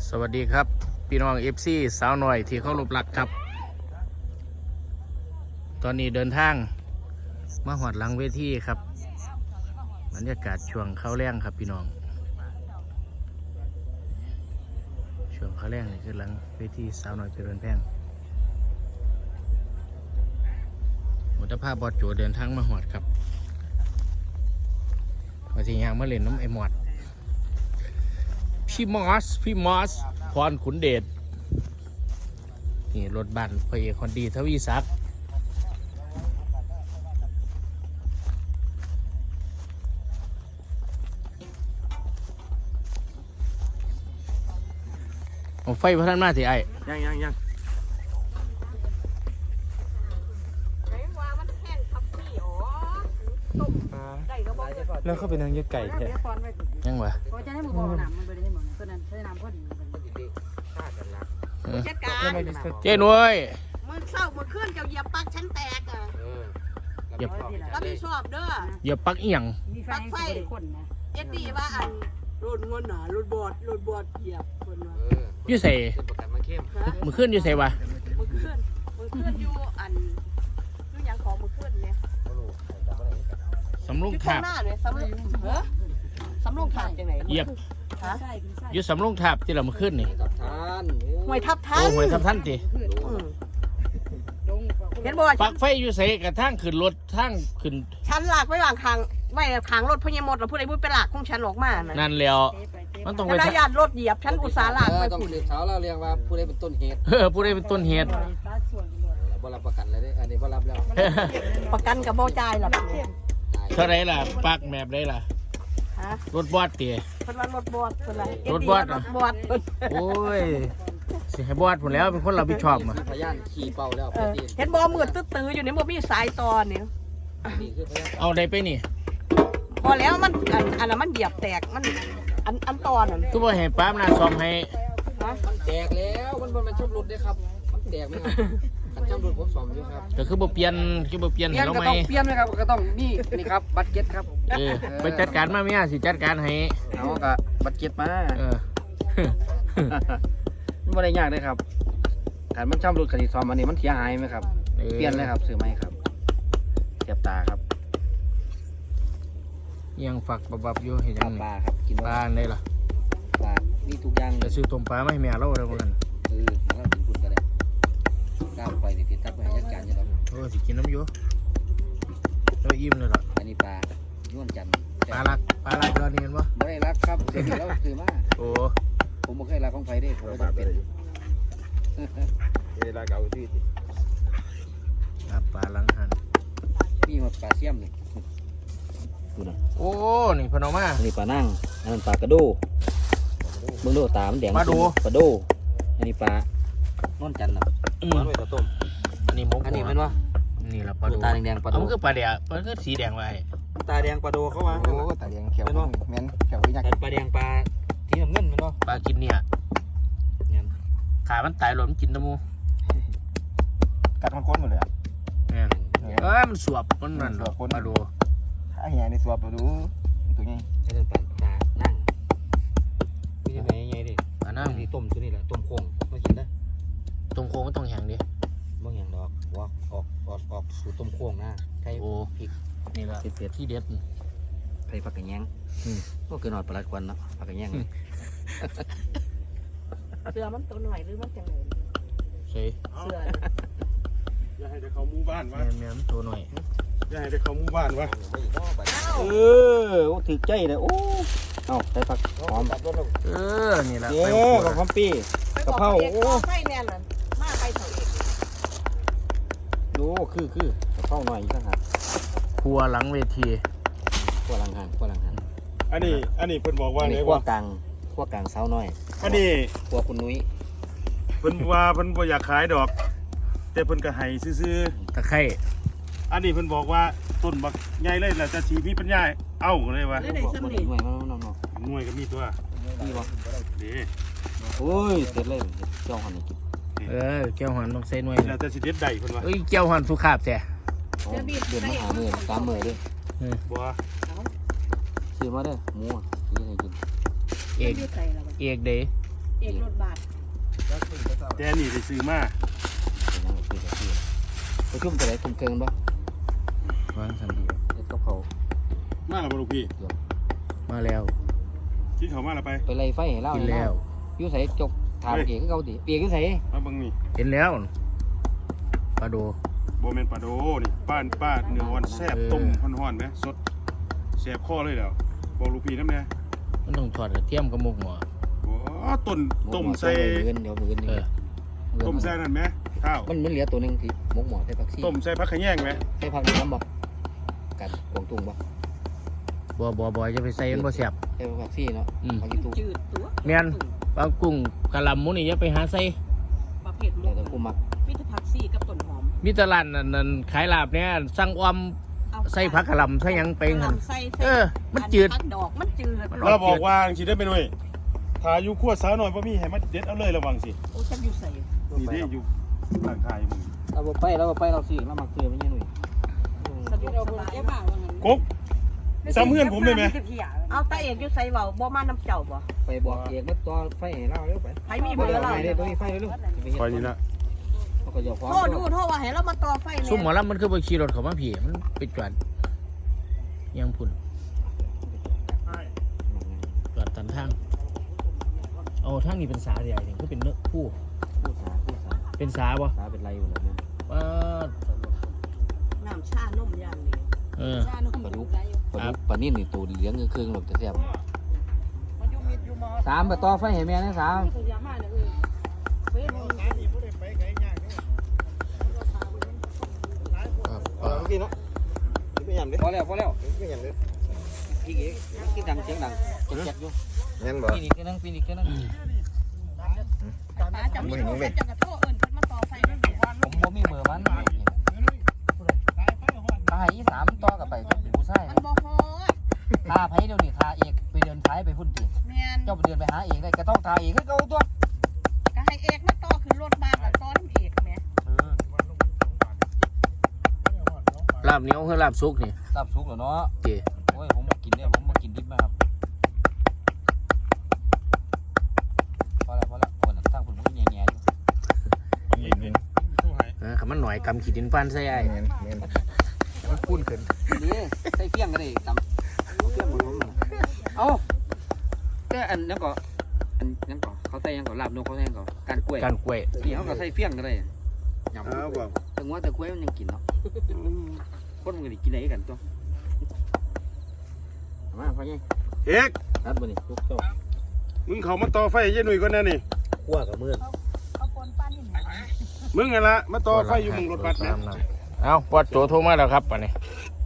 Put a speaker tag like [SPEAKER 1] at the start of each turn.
[SPEAKER 1] สวัสดีครับพี่น้องFCสาวหน่อยที่เขารบรักครับ ตอนนี้เดินทางมาหอดหลังเวทีครับบรรยากาศช่วงเข้าแรงครับพี่น้องช่วงเข้าแรงนี่คือหลังเวทีสาวหน่อยเจริญแพงมุตภาพบอดโจเดินทางมาหอดครับมาทียางมาเล่นน้ำไอหมอดพี่มอสพรขุนเดชนี่รถบัสพระเอกคนดีทวีศักดิ์เอาไฟพระท่านมาสิไอ้
[SPEAKER 2] ยังแล้วเขาเป็นนางยกไก่แท้
[SPEAKER 1] ยังวะเจ้หน่วย
[SPEAKER 3] มือเศร้ามือขึ้นเจ้าเหยียบปักฉันแตกอ่ะ
[SPEAKER 1] เหยียบ
[SPEAKER 3] ก็มีชอบเด้อ
[SPEAKER 1] เหยียบปักเอียง
[SPEAKER 3] ปักไฟเอ็ดดี้ว่าอันรุ่นเงินหนารุ่นบอดเหยียบคนว่า
[SPEAKER 1] อยู่ใส่มือขึ้นอยู่ใส่วะ
[SPEAKER 3] มือขึ้นอยู่อันอยู่ยังของมือขึ้นเนี่ย
[SPEAKER 1] สำลุงถาบ
[SPEAKER 3] สำลุงถาบจังไหน
[SPEAKER 1] เหยียบอยู่สำลุงถาบที่เรามาขึ้นนี่
[SPEAKER 3] หวยทับท่าน
[SPEAKER 1] โอ้หวยทับท่านจี
[SPEAKER 3] เห็นบ่
[SPEAKER 1] ปักไฟอยู่ใส่กระทั่งขึ้นรถทั้งขึ้น
[SPEAKER 3] ฉันหลากไว้วางคางไว้คางรถพญามดแล้วผู้ใดบุญไปหลากของฉันออกมา
[SPEAKER 1] นั่นแล้วมันต้องไป
[SPEAKER 3] ระยะรถเหยียบฉันอุตสาห์หลากไป
[SPEAKER 2] ต้องสืบสาวแล้วเรียกว่าผู้ใดเป็นต้นเหตุ
[SPEAKER 1] ผู้ใดเป็นต้นเหตุ
[SPEAKER 2] บ่รับประกันเลยอันนี้บ่รับแล้ว
[SPEAKER 3] ประกันกับบ่จ่ายหรอก
[SPEAKER 1] เท่าไรล่ะปักแมบได้ล่ะรถบอดตี
[SPEAKER 3] คนว่ารถบอดคนไร
[SPEAKER 1] รถบอดโอ้ยสิให้บอดผมแล้วเป็นคนรับผิดชอบมา
[SPEAKER 2] พยานขี่เป่าแล้ว
[SPEAKER 3] เห็นบอมืดตื้ออยู่นี่บ่มีสายตอนนี่
[SPEAKER 1] เอาได้ไปนี่
[SPEAKER 3] พอแล้วมันอันนั้นมันเหยียบแตกมันอันตอนนั่น
[SPEAKER 1] คือว่าให้ป้ามนาซ้อมให้
[SPEAKER 2] มันแตกแล้วมันชอบหลุดด้วยครับมันแตกไหมครับขันชอบหลุดผมซ้อมอยู่ครับ
[SPEAKER 1] แต่คือบ่เปลี่ยนให้เราไหม
[SPEAKER 2] เปลี่ยนไหมครับก็ต้องนี่ครับบัตรเก็ตครับ
[SPEAKER 1] ไปจัดการมาเมียสิจัดการให้
[SPEAKER 2] เอากับบัตรเก็ตมาไม่ได้ยากเลยครับการมันชอบหลุดคดีซ้อมอันนี้มันเสียหายไหมครับเปลี่ยนเลยครับซื้อไหมครับเจ็บตาครับ
[SPEAKER 1] ยังฝักบับอยู่เห็นยัง
[SPEAKER 2] ปลาครับกิน
[SPEAKER 1] ปลาได้หรอ
[SPEAKER 2] ปลานี่ทุกอย่าง
[SPEAKER 1] จะซื้อต้มปลาไม่ให้แม่เราอะไรพวกนั้น
[SPEAKER 2] แล้วกินคุณก็ได้ก้าวไปติดทับไปจัดการจะต้อง
[SPEAKER 1] สิกินน้ำอยู่แล้วอิ่มเลยหรอ
[SPEAKER 2] อันนี้ปลาย้วนจัน
[SPEAKER 1] ปลาลักตอนนี้เห็นปะ
[SPEAKER 2] ไม่ได้รักครับเสร็จแล้วซื้อมา
[SPEAKER 1] โอ้
[SPEAKER 2] ผมไม่เคยรักของไฟได้ผมจะเป็นเวลาเก่าที่
[SPEAKER 1] ปลาลังหัน
[SPEAKER 2] นี่มาปลาเสี่ยมนี่ดูนะ
[SPEAKER 1] โอ้นี่พนมมา
[SPEAKER 2] นี่ปลานั่งอันนั้นปลากระโดเบื้องโลตามันแดงปลาโดอันนี้ปลานอนจันทร์นะปลาด้วยตัวต้ม
[SPEAKER 1] อันนี้มก
[SPEAKER 2] อันนี้เป็นว่า
[SPEAKER 1] นี่ละปลาโด
[SPEAKER 2] ตาแดงปลาโด
[SPEAKER 1] มันคือปลาแดงมันคือสีแดงไว้
[SPEAKER 2] ตาแดงปลาโดเขาวาง
[SPEAKER 4] โอ้ตาแดงเขียวแม่นเขียวยักษ์
[SPEAKER 2] ปลาแดงปลาที่น้ำเงินเป็นว่า
[SPEAKER 1] ปลากินเนี่ยขามันตายหล่นมันกินตะมู
[SPEAKER 4] กัดมันก้นหมดเลย
[SPEAKER 1] มันสวบมันนั่นปลาโด
[SPEAKER 4] ถ้าเหี้ยในสวบดูตัวนี้
[SPEAKER 2] นี่เป็นปลานั่งนี่จะเป็นยังไงดิ
[SPEAKER 1] ปลานั่ง
[SPEAKER 2] นี่ต้มตัวนี้แหละต้มโค้งมากินได้
[SPEAKER 1] ต้มโค้งมันต้องแห้งดิ
[SPEAKER 2] บางอย่างดอกว่าออกสู่ต้มโค้งนะไข่พริก
[SPEAKER 1] นี่แหละที่เด็ด
[SPEAKER 2] ไข่ผักกระแยงก็คือนอนปลาควันเนาะผักกระแยง
[SPEAKER 3] เสือมันตัวหน่อยหรือมันจังไหน
[SPEAKER 1] เสือ
[SPEAKER 4] อย่าให้เขามู่บ้านวะ
[SPEAKER 1] แม่ตัวหน่อย
[SPEAKER 4] อย่าให้เขามู่บ้านวะ
[SPEAKER 2] ถือใจเลยโอ้เอาใส่ผักหอม
[SPEAKER 1] นี่แหละ
[SPEAKER 2] กับหอมปีกะเพรา
[SPEAKER 3] โอ้ไฟแน่นเลยมาไปเถอะเอง
[SPEAKER 2] ดูคือกะเพราหน่อยอีกต่างหาก
[SPEAKER 1] ครัวหลังเวที
[SPEAKER 2] ครัวหลังหัน
[SPEAKER 4] อันนี้เพิ่นบอกว่าไง
[SPEAKER 2] ครัวกลางเสาหน่อย
[SPEAKER 4] อันนี้
[SPEAKER 2] ครัวคุณนุ้ย
[SPEAKER 4] เพิ่นว่าเพิ่นบ่อยากขายดอกแต่เพิ่นก็ให้ซื้อ
[SPEAKER 1] ตะไคร้
[SPEAKER 4] อันนี้เพิ่นบอกว่าต้นบักใหญ่เลยแหละจะชีมีปัญญาเอาเลยว่า
[SPEAKER 2] หน่วย
[SPEAKER 4] หน่วยก็มีตัว
[SPEAKER 2] นี่บ่
[SPEAKER 4] ดี
[SPEAKER 2] โอ้ยเสร็จเลยเจ้าหันนี่กิน
[SPEAKER 1] เกี่ยวหันต้องใส่หน่วย
[SPEAKER 4] แล้วจะสิเด็ดได้เพิ่นว่า
[SPEAKER 1] เกี่ยวหันสุขาบแท้
[SPEAKER 2] เดือนมาหามือตามมือด้วย
[SPEAKER 4] บ่
[SPEAKER 2] ซื้อมาเด้อหมูซื้อให้กิน
[SPEAKER 1] เอกเดย์
[SPEAKER 3] เอกรถบาท
[SPEAKER 4] แต่นี่ได้ซื้อมา
[SPEAKER 2] ไปชุ่มตัวไหนชุ่มเกินบ่
[SPEAKER 1] วางสันดี
[SPEAKER 2] เด็ดกับเขา
[SPEAKER 4] มาแล้วบ่ลูกพี่
[SPEAKER 1] มาแล้ว
[SPEAKER 4] กินข้าวมาแล้วไป
[SPEAKER 2] ไปไล่ไฟให้เล่า
[SPEAKER 1] กินแล้ว
[SPEAKER 2] อยู่ใส่จกถามเกียร์เขาดิเปียกอยู่ใส่
[SPEAKER 4] มาเบิ่งนี่
[SPEAKER 1] เห็นแล้วปลาโด
[SPEAKER 4] บ่แม่นปลาโดนี่ป้าเนื้ออ่อนแซ่บต้มฮ้อนๆแหมสดแซ่บคอเลยแล้วบอกลูกพี่นำแน่
[SPEAKER 1] มันต้องทอดกระเทียมกับหมกหมอ
[SPEAKER 4] โอ้ต้มใส่
[SPEAKER 2] เงินเดี๋ยวเงิน
[SPEAKER 1] เออ
[SPEAKER 4] ต้มใส่นั่นแหมข้าว
[SPEAKER 2] มันเหลือตัวนึงที่หมกหมอใส่ผักชี
[SPEAKER 4] ต้มใส่ผักขะแยงแหม
[SPEAKER 2] ใส่ผักน้ำบ่กัดกวางตุ้งบ่
[SPEAKER 1] บ่จะไปใส่มันบ่แซ่บ
[SPEAKER 2] ใส่ผักชีเนาะ
[SPEAKER 1] อืม
[SPEAKER 2] ผัก
[SPEAKER 3] มั
[SPEAKER 2] ชี
[SPEAKER 3] น
[SPEAKER 2] ตุ้ง
[SPEAKER 3] จืดตัว
[SPEAKER 1] แม่นปลากุ้งกะหล่ำหมูนี่อย่าไปหาใส่
[SPEAKER 3] ประเภทหม
[SPEAKER 2] เดี๋ยว
[SPEAKER 3] ก
[SPEAKER 2] จะกูมัก
[SPEAKER 3] มีแต่ผักซี่กับต้นหอม
[SPEAKER 1] มีแตลาดนั่นขายลาบเนี่ยสั่งออม
[SPEAKER 3] เอา
[SPEAKER 1] ใส่ผักกะหล่ำใส่หยังไปหั่น
[SPEAKER 3] ใส่
[SPEAKER 1] เออมันจืด
[SPEAKER 3] ผักดอกมันจืด
[SPEAKER 4] เราบอกว่าจังสิได้ไปหน่อยถ้าอยู่ครัวสาวหน่อยบ่มีให้มาเด็ดเอาเลยระวังสิ
[SPEAKER 3] โอ้จะอยู่ใส่
[SPEAKER 4] นี่เด้อยู่ร้านค้าอยู่มึง
[SPEAKER 2] เราไปเราซื้อเรามักซื้อไม่ใช่หนุ่ย
[SPEAKER 3] สะดวกสบาย
[SPEAKER 4] กบซ้ำเพื่อนผมเลยไหม
[SPEAKER 3] เอาตาเอกอยู่ใส่เบาบ่มาน้ำเจ้าบ่
[SPEAKER 2] ไปบอกเอกมาต่อไฟให้เราเร็วไป
[SPEAKER 3] ใครมีเบอร์เรา
[SPEAKER 2] เดี๋ยวตัวนี้ไฟเร็ว
[SPEAKER 4] คอยนี่ละ
[SPEAKER 2] เขาก็จะฟ้อง
[SPEAKER 3] โทษดูโทษว่าให้เรามาต่อไฟ
[SPEAKER 1] ซุ่มหมอลำมันคือบ่ขี่รถเข้ามาพี่มันไปจอดยังพุ่นจอดตันทางเอาทางนี้เป็นสาใหญ่นี่คือเป็นเนื้อผู้
[SPEAKER 2] ผู้สา
[SPEAKER 1] เป็นสาบ่
[SPEAKER 2] สาเป็นไรหมดเลย
[SPEAKER 1] ว่า
[SPEAKER 3] น้ำชานมอย่างนี้
[SPEAKER 1] เออ
[SPEAKER 3] ชานม
[SPEAKER 2] ปลาดุกปลานิ่มนี่ตัวเหลืองเครื่องหลบจะแซ่บ
[SPEAKER 3] มันอยู่มิดอยู่มอ
[SPEAKER 2] สามไปต่อไฟให้แม่นะสาม
[SPEAKER 3] สุดยอดมากเลยเฟ้ยมึง
[SPEAKER 2] พอแล้วพี่เอกกินดังเสียงดังเจ็บอยู่
[SPEAKER 5] งั้นบ่
[SPEAKER 2] ปีนี้ก็นั่งปีนี้ก็นั่ง
[SPEAKER 3] ป้าจะมีโทรศัพท์จะกระโทษเอิญขึ้นมาต่อไฟนั่นเอง
[SPEAKER 2] ผมบ่มีเบอร์มันถ้าให้อีสามต่อกับไปเป็นผู้ชาย
[SPEAKER 3] มันบ่ฮอด
[SPEAKER 2] ถ้าไผเดี๋ยวนี้ถ้าเอกไปเดินสายไปพุ่นตี
[SPEAKER 3] แม่น
[SPEAKER 2] เจ้าไปเดินไปหาเอกได้ก็ต้องทาเอกคือเก่าตัว
[SPEAKER 3] ก็ให้เอกมาต่อขึ้นรถบ้านแล้วต่อน้ำเอกแม่
[SPEAKER 1] ลาบเหนียวคือลาบสุกนี่
[SPEAKER 2] ตับสุกเหรอเนาะ
[SPEAKER 1] เจ
[SPEAKER 2] โอ้ยผมมากินเนี่ยผมมากินดิบนะครับพอแล้วคนตั้งผมก็แง่ๆอยู่
[SPEAKER 1] คำมันหน่อยกำขีดินฟันใส่ไอ้
[SPEAKER 5] เงี้ย
[SPEAKER 1] มันปุ้นขึ้น
[SPEAKER 2] นี่ใส่เฟี้ยงก็ได้ตำเฟี้ยงผมเอาแต่อันนั้นก็เขาใส่ยังก็ลาบนกเขาใส่ยังก็การกล้วย
[SPEAKER 1] การกล้วย
[SPEAKER 2] นี่เขาก็ใส่เฟี้ยงก็ได้ยำ
[SPEAKER 5] อ้าวบ่
[SPEAKER 2] แต่ว่าแต่กล้วยมันยังกินเนาะคนมันก็ได้กินได้กันตัวมาพ่อใหญ่
[SPEAKER 4] เอก
[SPEAKER 2] นัดบ่นี่ลูกเจ้า
[SPEAKER 4] มึงเขามาต่อไฟยายหนุ่ยก่อนแน่นี่
[SPEAKER 5] ขั้วกับมือ
[SPEAKER 3] เอาปนป้านี่ห
[SPEAKER 4] มึงไงละมาต่อไฟอยู่มึงรถบัสแม่
[SPEAKER 1] เอาปอดโจโทรมาแล้วครับอันนี้